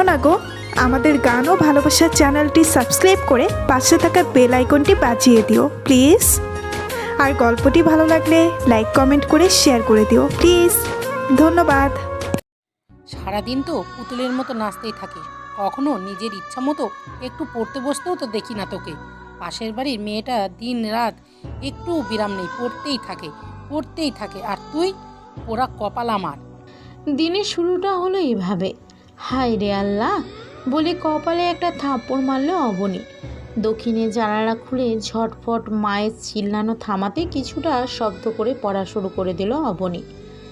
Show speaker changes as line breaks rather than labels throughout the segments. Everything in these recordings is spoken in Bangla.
না গো, আমাদের গান ও ভালোবাসার চ্যানেলটি সাবস্ক্রাইব করে পাশে থাকা বেল আইকনটি বাজিয়ে দিও প্লিজ। আর গল্পটি ভালো লাগলে লাইক কমেন্ট করে শেয়ার করে দিও প্লিজ। ধন্যবাদ।
সারাদিন তো পুতুলের মতো নাচতেই থাকে, কখনো নিজের ইচ্ছা মতো একটু পড়তে বসতেও তো দেখি না তোকে। পাশের বাড়ির মেয়েটা দিন রাত একটু বিরাম নেই, পড়তেই থাকে। আর তুই পোড়া কপাল আমার।
দিনের শুরুটা হলো এভাবে, হায় রে আল্লাহ বলে কপালে একটা থাপ্পড় মারল অবনী। দক্ষিণে জানালা খুলে ঝটফট মায়ের চিল্লানো থামাতে কিছুটা শব্দ করে পড়া শুরু করে দিল অবনী।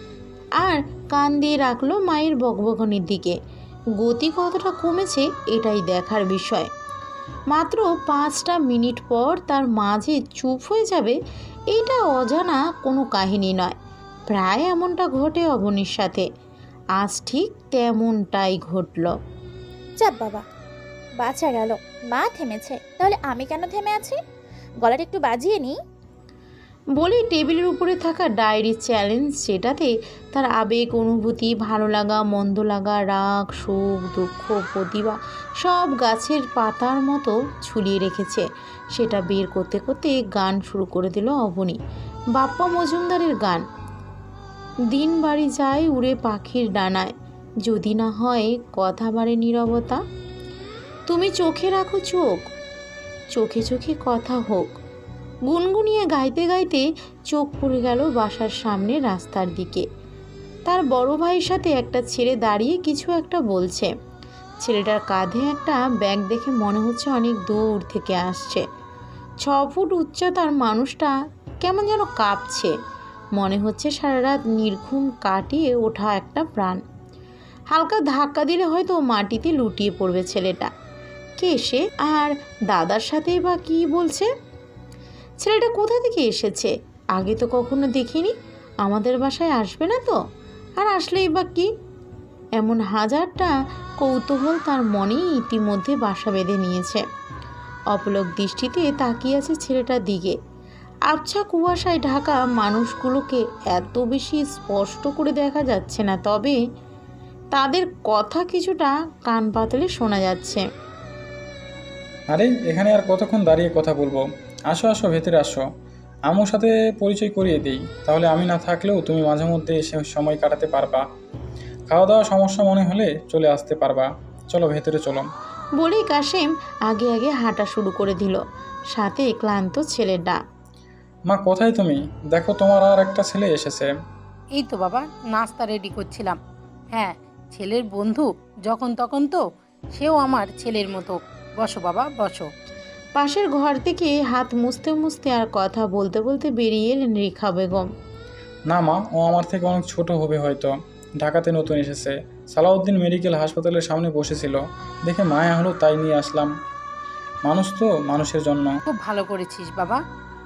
আর কান দিয়ে রাখলো মায়ের বকবকনির দিকে। গতি কতটা কমেছে এটাই দেখার বিষয়। মাত্র 5টা মিনিট পর তার মাঝে চুপ হয়ে যাবে, এটা অজানা কোনো কাহিনী নয়। প্রায় এমনটা ঘটে অবনীর সাথে, আজ ঠিক তেমনটাই ঘটল।
চাপ বাবা, বাঁচা গেল। মা থেমেছে, তাহলে আমি কেন থেমে আছি? গলাটা একটু বাজিয়ে নিই।
বলেই টেবিলের উপরে থাকা ডায়েরি চ্যালেঞ্জ, যেটাতে তার আবেগ, অনুভূতি, ভালো লাগা, মন্দ লাগা, রাগ, সুখ, দুঃখ, প্রতিভা সব গাছের পাতার মতো ঝুলিয়ে রেখেছে, সেটা বের করতে করতে গান শুরু করে দিল অবনী। বাপ্পা মজুমদারের গান। দিন বাড়ি যায় উড়ে পাখির ডানায়, যদি না হয় কথা বাড়ে নীরবতা। তুমি চোখে রাখো চোখ, চোখে চোখে কথা হোক। গুনগুনিয়ে গাইতে গাইতে চোখ পড়ে গেল বাসার সামনে রাস্তার দিকে। তার বড় ভাইয়ের সাথে একটা ছেলে দাঁড়িয়ে কিছু একটা বলছে। ছেলেটার কাঁধে একটা ব্যাগ দেখে মনে হচ্ছে অনেক দূর থেকে আসছে। 6 ফুট উচ্চতার মানুষটা কেমন যেন কাঁপছে, মনে হচ্ছে সারা রাত নির্ঘুম কাটিয়ে ওঠা একটা প্রাণ। হালকা ধাক্কা দিলে হয়তো মাটিতে লুটিয়ে পড়বে ছেলেটা। কে সে, আর দাদার সাথেই বা কী বলছে? ছেলেটা কোথা থেকে এসেছে? আগে তো কখনো দেখিনি। আমাদের বাসায় আসবে না তো? আর আসলেই বা কি? এমন হাজারটা কৌতূহল তার মনেই ইতিমধ্যে বাসা বেঁধে নিয়েছে। অপলক দৃষ্টিতে তাকিয়ে আছে ছেলেটার দিকে। আবছা কুয়াশায় ঢাকা মানুষগুলোকে এত বেশি স্পষ্ট করে দেখা যাচ্ছে না, তবে তাদের কথা কিছুটা কান পাতলে শোনা যাচ্ছে।
আরে এখানে আর কতক্ষণ দাঁড়িয়ে কথা বলবো? আসো আসো, ভেতরে আসো। আম্মুর সাথে পরিচয় করিয়ে দিই, তাহলে আমি না থাকলেও তুমি মাঝে মধ্যে এসে সময় কাটাতে পারবা। খাওয়া দাওয়া সমস্যা মনে হলে চলে আসতে পারবা। চলো ভেতরে চলো।
বলেই কাশেম আগে আগে হাঁটা শুরু করে দিল, সাথে ক্লান্ত ছেলেটা।
মা কোথায় তুমি? দেখো তোমার আর একটা ছেলে এসেছে।
এই তো বাবা, নাস্তা রেডি করছিলাম। হ্যাঁ, ছেলের বন্ধু যখন তখন তো, সেও আমার ছেলের মতো। বসো বাবা, বসো।
পাশের ঘর থেকে হাত মুছতে মুছতে আর কথা বলতে বলতে বেরিয়ে এলেন রেখা বেগম।
না মা, ও আমার থেকে অনেক ছোট হবে হয়তো। ঢাকাতে নতুন এসেছে, সালাউদ্দিন মেডিকেল হাসপাতালের সামনে বসেছিল, দেখে মায়া হলো তাই নিয়ে আসলাম। মানুষ তো মানুষের জন্য।
খুব ভালো করেছিস বাবা।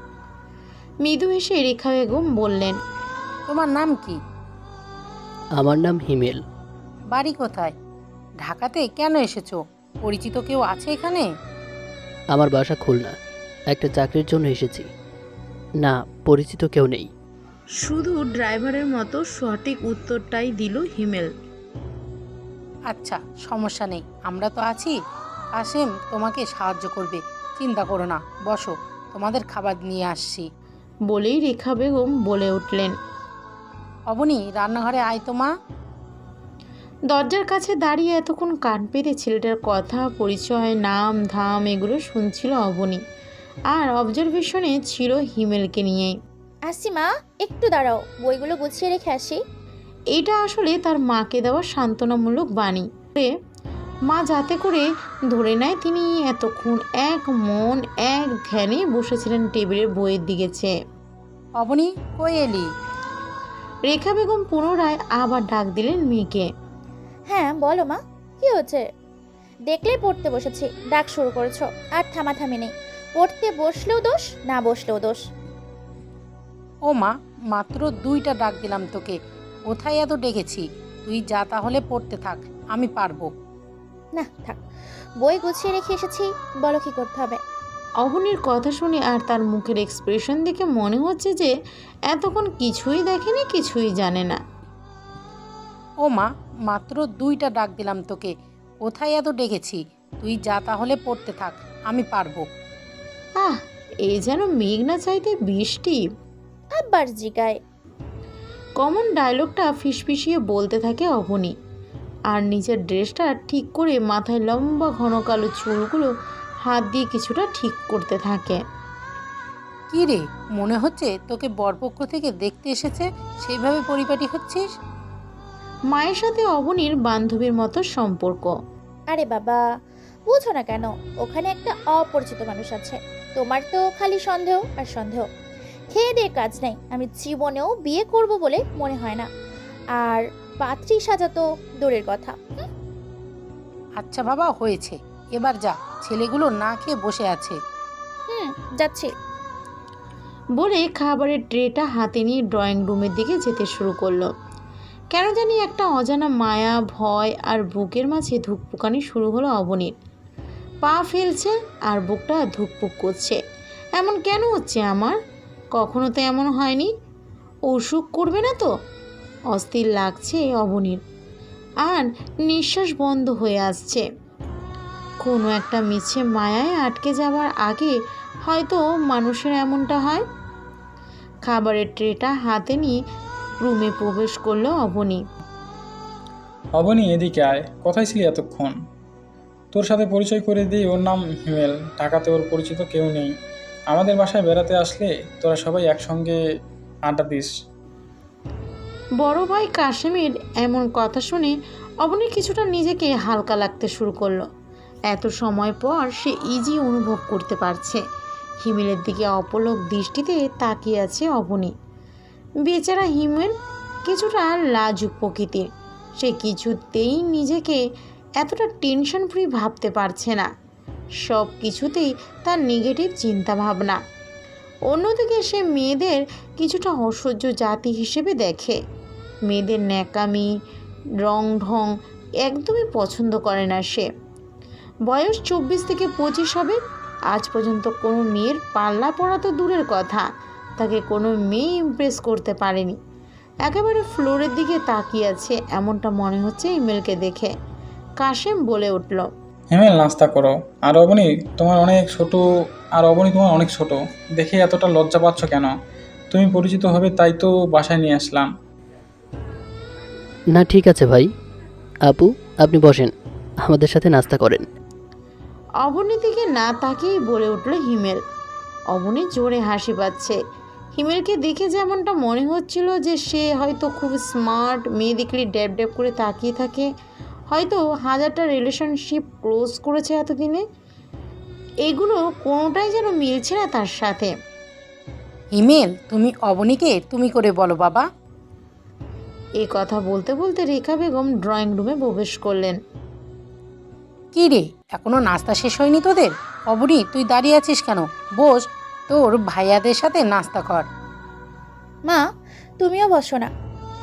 মৃদু হেসে রেখা বেগম বললেন,
তোমার নাম কি?
আমার নাম হিমেল।
বাড়ি কোথায়? ঢাকাতে কেন এসেছো? পরিচিত কেউ আছে এখানে?
আমার বাসা খুলনা, একটা চাকরির জন্য এসেছি। না, পরিচিত কেউ নেই।
শুধু ড্রাইভারের মতো সঠিক উত্তরটাই দিল হিমেল।
আচ্ছা, সমস্যা নেই, আমরা তো আছি। কাশেম তোমাকে সাহায্য করবে, চিন্তা করো না। বসো, তোমাদের খাবার নিয়ে আসছি।
বলেই রেখা বেগম বলে উঠলেন।
অবনী, রান্নাঘরে আয় তো মা।
দরজার কাছে দাঁড়িয়ে এতক্ষণ কান পেতে ছেলেটার কথা, পরিচয়, নাম ধাম এগুলো শুনছিল অবনী, আর অবজারভেশনে ছিল হিমেলকে নিয়েই।
আসছি মা, একটু দাঁড়াও, বইগুলো গুছিয়ে রেখে আসি।
এটা আসলে তার মাকে দেওয়া সান্ত্বনামূলক বাণী। মা যাতে করে ধরে নেয় তিনি এতক্ষণ এক মন এক ধ্যানে বসেছিলেন টেবিলের বইয়ের দিকে চেয়ে।
অবনী, কই এলি?
রেখা বেগম পুনরায় আবার ডাক দিলেন মেয়েকে।
হ্যাঁ বলো মা, কি হচ্ছে? দেখলেই পড়তে বসেছি, ডাক শুরু করেছো, আর থামাথামি নেই। পড়তে বসলেও দোষ, না বসলেও দোষ।
ও মা, মাত্র 2টা ডাক দিলাম তোকে, কোথায় এত ডেকেছি? তুই যা, তাহলে পড়তে থাক, আমি পারবো।
না থাক, বই গুছিয়ে রেখে এসেছি, বলো কি করতে হবে।
অবনীর কথা শুনে আর তার মুখের এক্সপ্রেশন দেখে মনে হচ্ছে যে এতক্ষণ কিছুই দেখেনি, কিছুই জানে না।
ও মা, মাত্র 2টা ডাক দিলাম তোকে, কোথায় এত ডেকেছি? তুই যা তাহলে পড়তে থাক, আমি পারবো।
আহ, এই যেন মেঘ না চাইতে বৃষ্টি।
আবার জিগায়।
কমন ডায়লগটা ফিসফিসিয়ে বলতে থাকে অবনী, আর নিজের ড্রেসটা ঠিক করে মাথায় লম্বা ঘন কালো চুলগুলো হাত দিয়ে কিছুটা ঠিক করতে থাকে।
কি রে, মনে হচ্ছে তোকে বরপক্ষ থেকে দেখতে এসেছে, সেইভাবে পরিপাটি হচ্ছিস?
মায়ের সাথে অবনীর বান্ধবীর মতো সম্পর্ক।
আরে বাবা, বুঝো না কেন? ওখানে একটা অপরিচিত মানুষ আছে। তোমার তো খালি সন্দেহ আর সন্দেহ। খেয়ে দিয়ে কাজ নাই। আমি জীবনেও বিয়ে করব বলে মনে হয় না। আর পাত্রী সাজা তো দূরের কথা।
আচ্ছা বাবা, হয়েছে, এবার যা, ছেলেগুলো না খেয়ে বসে আছে।
যাচ্ছি।
বলে খাবারের ট্রেটা হাতে নিয়ে ড্রয়িং রুমের দিকে যেতে শুরু করলো। কেন জানি একটা অজানা মায়া, ভয় আর বুকের মাঝে ধুকপুকানি শুরু হলো অবনীর। পা ফেলছে আর বুকটা ধুকপুক করছে। এমন কেন হচ্ছে আমার? কখনো তো এমন হয়নি। অসুখ করবে না তো? অস্থির লাগছে অবনীর, আর নিঃশ্বাস বন্ধ হয়ে আসছে। কোনো একটা মিছে মায়ায় আটকে যাওয়ার আগে হয়তো মানুষের এমনটা হয়। খাবারের ট্রেটা হাতে নিয়ে রুমে প্রবেশ করলো অবনী।
অবনী, এদিকে আয়। কোথায় ছিলি এতক্ষণ? তোর সাথে পরিচয় করে দিই, ওর নাম হিমেল। ঢাকাতে ওর পরিচিত কেউ নেই। আমাদের বাসায় বেড়াতে আসলে তোরা সবাই একসঙ্গে আড্ডা দিস।
বড় ভাই কাশেমের এমন কথা শুনে অবনী কিছুটা নিজেকে হালকা লাগতে শুরু করলো। এত সময় পর সে ইজি অনুভব করতে পারছে। হিমেলের দিকে অপলক দৃষ্টিতে তাকিয়ে আছে অবনী। বেচারা হিমেল কিছুটা লাজুক প্রকৃতির। সে কিছুতেই নিজেকে এতটা টেনশন ফ্রি ভাবতে পারছে না। সব কিছুতেই তার নেগেটিভ চিন্তা ভাবনা। অন্যদিকে সে মেয়েদের কিছুটা অসহ্য জাতি হিসেবে দেখে। মেয়েদের ন্যাকামি, রং ঢং একদমই পছন্দ করে না সে। বয়স 24 থেকে 25 হবে। আজ পর্যন্ত কোনো মেয়ের পাল্লা পড়া তো দূরের কথা, তাকে কোনো মেয়ে ইমপ্রেস করতে পারেনি। একেবারে ফ্লোরের দিকে তাকিয়ে আছে এমনটা মনে হচ্ছে হিমেলকে দেখে। কাশেম বলে উঠল,
হিমেল, নাস্তা করো। আর অবনী তোমার অনেক ছোট, দেখে এতটা লজ্জা পাচ্ছ কেন? তুমি পরিচিত হবে তাই তো বাসায় নিয়ে আসলাম।
না ঠিক আছে ভাই। আপু, আপনি বসেন, আমাদের সাথে নাস্তা করেন।
অবনীর দিকে না তাকিয়েই বলে উঠল হিমেল। অবনী জোরে হাসি পাচ্ছে। হিমেলকে দেখে যেমনটা মনে হচ্ছিল যে সে হয়তো খুব স্মার্ট, মেয়ে দেখলে ড্যাব ড্যাব করে তাকিয়ে থাকে, হয়তো 1000টা রিলেশনশিপ ক্লোজ করেছে এতদিনে। এগুলো কোনোটাই যেন মিলছে না তার সাথে।
হিমেল, তুমি অবনীকে তুমি করে বলো বাবা।
এই কথা বলতে বলতে রেখা বেগম ড্রয়িং রুমে প্রবেশ করলেন।
কি রে, এখনো নাস্তা শেষ হয়নি তোদের? অবনী, তুই দাঁড়িয়ে আছিস কেন? বস, তোর ভাইয়াদের সাথে নাস্তা কর।
মা, তুমিও বসো না।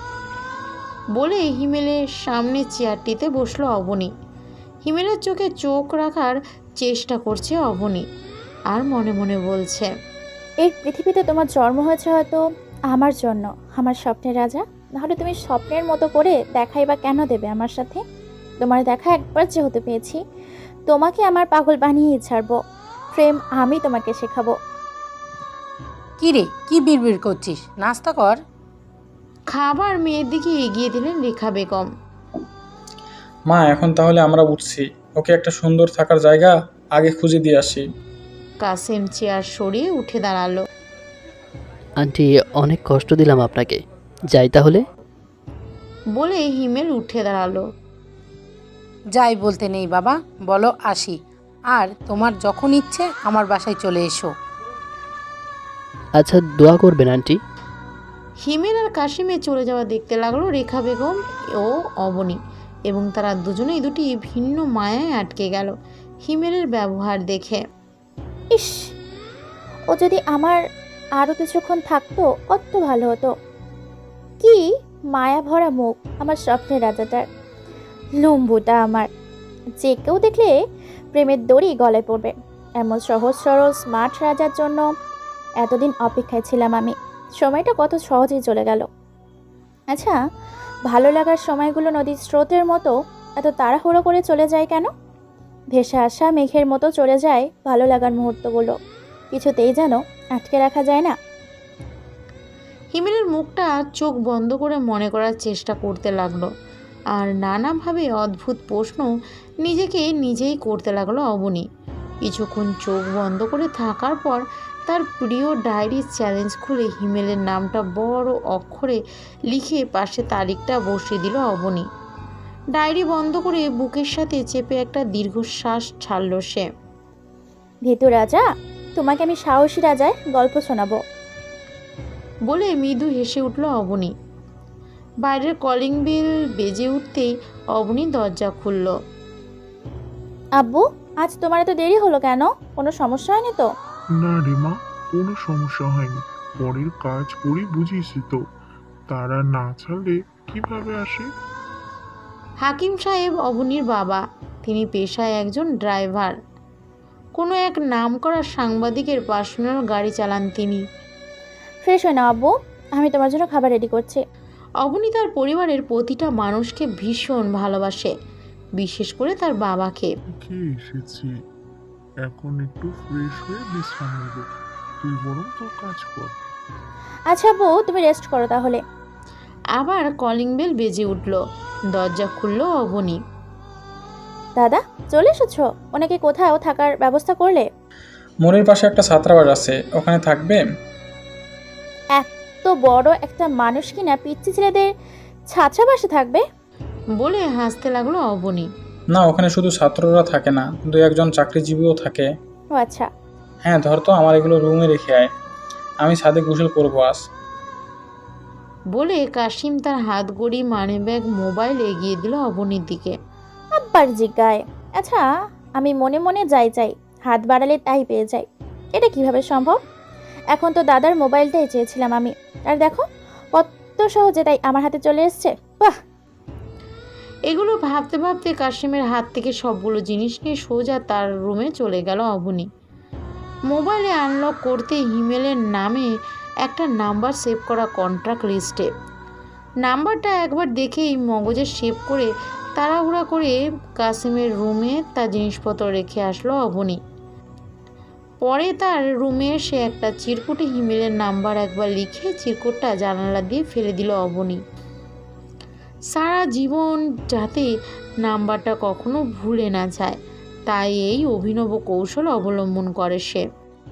বলে হিমেলের সামনে চেয়ারটিতে বসলো অবনী। হিমেলের চোখে চোখ রাখার চেষ্টা করছে অবনী, আর মনে মনে বলছে,
এই পৃথিবীতে তোমার জন্ম হয়েছে হয়তো আমার জন্য, আমার স্বপ্নের রাজা। নাহলে তুমি স্বপ্নের মতো করে দেখাই বা কেন দেবে আমার সাথে? তোমার দেখা একবার যেহেতু পেয়েছি, তোমাকে আমার পাগল বানিয়ে ছাড়বো। প্রেম আমি তোমাকে শেখাবো।
কি রে, কি বিড়বিড় করছিস? নাস্তা কর।
খাবার মেয়ের দিকে এগিয়ে দিলেন রেখা বেগম।
মা, এখন তাহলে আমরা উঠছি। ওকে একটা সুন্দর থাকার জায়গা আগে খুঁজে দিয়ে আসি।
কাসেম চেয়ার সরিয়ে উঠে দাঁড়ালো।
আন্টি, অনেক কষ্ট দিলাম আপনাকে, যাই তাহলে।
বলে হিমেল উঠে দাঁড়ালো।
যাই বলতে নেই বাবা, বলো আসি। আর তোমার যখন ইচ্ছে আমার বাসায় চলে এসো।
আচ্ছা, দোয়া করবেন আন্টি।
হিমেল আর কাশিমে চলে যাওয়া দেখতে লাগলো রেখা বেগম ও অবনী, এবং তারা দুজনেই দুটি ভিন্ন মায়ায় আটকে গেল হিমেলের ব্যবহার দেখে।
ইস, ও যদি আমার আরও কিছুক্ষণ থাকতো কত ভালো হতো। কি মায়া ভরা মুখ আমার স্বপ্নের রাজাটার। লম্বুটা আমার, যে কেউ দেখলে প্রেমের দড়ি গলায় পড়বে। এমন সহজ সরল স্মার্ট রাজার জন্য এতদিন অপেক্ষায় ছিলাম আমি। সময়টা কত সহজেই চলে গেল। আচ্ছা, ভালো লাগার সময়গুলো নদীর স্রোতের মতো এত তাড়াহুড়ো করে চলে যায় কেন? ভেসে আসা মেঘের মতো চলে যায় ভালো লাগার মুহূর্তগুলো, কিছুতেই যেন আটকে রাখা যায় না।
হিমেলের মুখটা চোখ বন্ধ করে মনে করার চেষ্টা করতে লাগলো, আর নানাভাবে অদ্ভুত প্রশ্ন নিজেকে নিজেই করতে লাগলো অবনী। কিছুক্ষণ চোখ বন্ধ করে থাকার পর তার প্রিয় ডায়েরির চ্যালেঞ্জ খুলে হিমেলের নামটা বড় অক্ষরে লিখে পাশে তারিখটা বসিয়ে দিল অবনী। ডায়েরি বন্ধ করে বুকের সাথে চেপে একটা দীর্ঘশ্বাস ছাড়ল সে।
ভীতু রাজা, তোমাকে আমি সাহসী রাজায় গল্প শোনাবো।
বলে মৃদু হেসে উঠল অবনী। বাইরের কলিং বেল বেজে উঠতেই অবনী দরজা খুলল।
আব্বু, আজ তোমার এত দেরি হলো কেন? কোনো সমস্যা হয়নি তো?
না রে মা, কোনো সমস্যা হয়নি। পরের কাজ করি বুঝিস তো, তারা না ছাড়লে কিভাবে আসে?
হাকিম সাহেব অবনীর বাবা। তিনি পেশায় একজন ড্রাইভার। কোনো এক নামকরা সাংবাদিকের পার্সোনাল গাড়ি চালান তিনি।
ফ্রেশ হয়ে নাও আব্বু, আমি তোমার জন্য খাবার রেডি করছি।
অবনী তার পরিবারের প্রতিটা মানুষকে ভীষণ ভালোবাসে, বিশেষ করে তার বাবাকে।
খেয়ে এসেছি, এখন একটু ফ্রেশ হয়ে বিশ্রাম নেব। তুই বরং তোর কাজ কর।
আচ্ছা আব্বু, তুমি রেস্ট করো তাহলে।
আবার কলিং বেল বেজে উঠল। দরজা খুলল অবনী।
দাদা, চলে এসেছো? ওনাকে কোথাও থাকার ব্যবস্থা করলে?
মোড়ের পাশে একটা ছাত্রাবাস আছে, ওখানে থাকবে।
এত বড় একটা মানুষ কিনা পিচ্চি ছেলেদের ছাত্রাবাসে থাকবে?
বলে হাসতে লাগলো অবনী।
না, ওখানে শুধু ছাত্ররা থাকে না, দু একজন চাকরিজীবীও থাকে।
ও আচ্ছা।
হ্যাঁ, ধর তো, আমার এগুলো রুমে রেখে আয়, আমি ছাদে গোসল করবো আজ।
বলে কাশিম তার হাত গড়ি মানিব্যাগ মোবাইল এগিয়ে দিল অবনীর দিকে।
আব্বার জিজ্ঞায়। আচ্ছা, আমি মনে মনে যাই, হাত বাড়ালে তাই পেয়ে যাই। এটা কিভাবে সম্ভব? এখন তো দাদার মোবাইলটাই চেয়েছিলাম আমি, আর দেখো কত সহজে তাই আমার হাতে চলে এসছে। বাহ!
এগুলো ভাবতে ভাবতে কাশিমের হাত থেকে সবগুলো জিনিস নিয়ে সোজা তার রুমে চলে গেল অবনী। মোবাইলে আনলক করতে হিমেলের নামে একটা নাম্বার সেভ করা কন্ট্রাক্ট লিস্টে। নাম্বারটা একবার দেখেই মগজে সেভ করে তাড়াহুড়া করে কাশিমের রুমে তার জিনিসপত্র রেখে আসলো অবনী। পরে তার রুমে এসে একটা চিরকুটে হিমেলের নাম্বার একবার লিখে চিরকুটটা জানালা দিয়ে ফেলে দিল অবনী। সারা জীবন যাতে নাম্বারটা কখনো ভুলে না যায়, তাই এই অভিনব কৌশল অবলম্বন করে সে।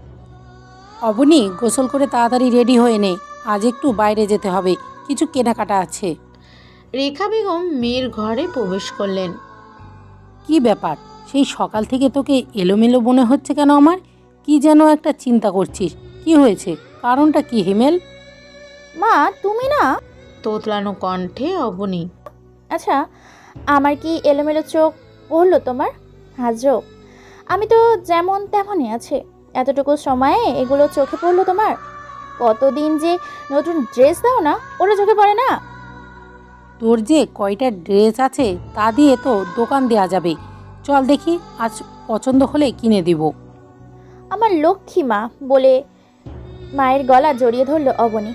অবনী, গোসল করে তাড়াতাড়ি রেডি হয়ে নে, আজ একটু বাইরে যেতে হবে, কিছু কেনাকাটা আছে।
রেখা বেগম মেয়ের ঘরে প্রবেশ করলেন।
কি ব্যাপার, সেই সকাল থেকে তোকে এলোমেলো মনে হচ্ছে কেন? আমার কি যেন একটা চিন্তা করছিস, কি হয়েছে? কারণটা কি হিমেল?
মা, তুমি না?
তোতলানো কণ্ঠে অবনী।
আচ্ছা, আমার কি এলোমেলো চোখ পড়লো তোমার? হাজরো, আমি তো যেমন তেমনই আছে। এতটুকু সময়ে এগুলো চোখে পড়লো তোমার? কতদিন যে নতুন ড্রেস দাও না, ওরা চোখে পড়ে না?
তোর যে কয়টা ড্রেস আছে তা দিয়ে তো দোকান দেয়া যাবে, চল দেখি, আজ পছন্দ হলে কিনে দিব।
আমার লক্ষ্মী মা বলে মায়ের গলা জড়িয়ে ধরলো অবনী।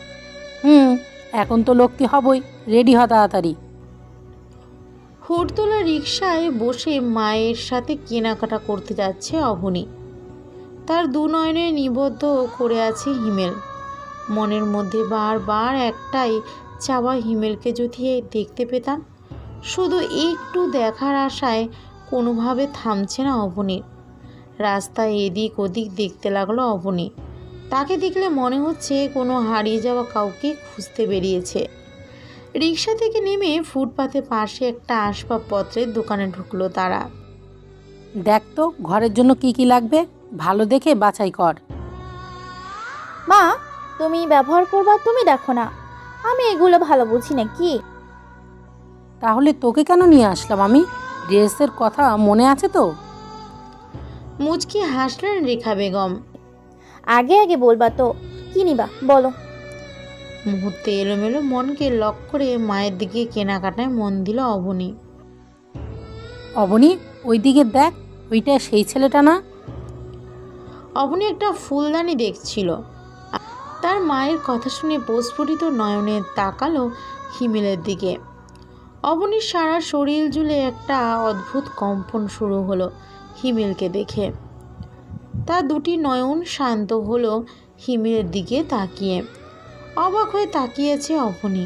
এখন তো লক্ষ্মী হবই, রেডি হ তাড়াতাড়ি।
হুড়তোলা রিকশায় বসে মায়ের সাথে কেনাকাটা করতে যাচ্ছে অবনী। তার দু নয়নে নিবদ্ধ করে আছে হিমেল। মনের মধ্যে বারবার একটাই চাওয়া, হিমেলকে যদি দেখতে পেতাম। শুধু একটু দেখার আশায় কোনোভাবে থামছে না অবনীর। রাস্তায় এদিক ওদিক দেখতে লাগলো অবনী। তাকে দেখলে মনে হচ্ছে কোনো হারিয়ে যাওয়া কাউকে খুঁজতে বেরিয়েছে। রিকশা থেকে নেমে ফুটপাতে পাশে একটা আসবাবপত্রের দোকানে ঢুকলো তারা।
দেখ তো ঘরের জন্য কি কি লাগবে, ভালো দেখে বাছাই কর।
মা, তুমি ব্যবহার করবা, তুমি দেখো না, আমি এগুলো ভালো বুঝি না কি?
তাহলে তোকে কেন নিয়ে আসলাম আমি? ড্রেসের কথা মনে আছে তো?
মুচকি হাসলেন রেখা বেগম।
আগে আগে বলবা তো, কি নিবা বলো।
মুহূর্তে এলোমেলো মনকে লক করে মায়ের দিকে কেনাকাটায় মন দিল অবনী।
অবনী, ওইদিকে দেখ, ওইটা সেই ছেলেটা না?
অবনী একটা ফুলদানি দেখছিল। তার মায়ের কথা শুনে প্রস্ফুটিত নয়নে তাকালো হিমেলের দিকে। অবনীর সারা শরীর জুড়ে একটা অদ্ভুত কম্পন শুরু হলো হিমেলকে দেখে। তার দুটি নয়ন শান্ত হলো হিমেলের দিকে তাকিয়ে। অবাক হয়ে তাকিয়েছে অবনী।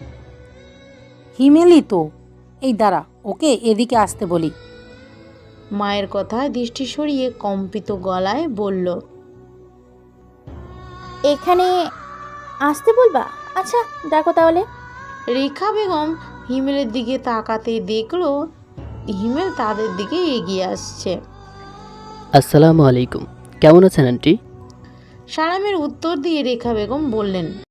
হিমেলই তো। এই দাঁড়া, ওকে এদিকে আসতে বলি।
মায়ের কথায় দৃষ্টি সরিয়ে কম্পিত গলায় বলল,
এখানে আসতে বলবা? আচ্ছা ডাকো তাহলে।
রেখা বেগম হিমেলের দিকে তাকাতেই দেখলো হিমেল তাদের দিকে এগিয়ে আসছে।
আসসালামু আলাইকুম, কেমন আছেন আন্টি?
সালামের উত্তর দিয়ে রেখা বেগম বললেন,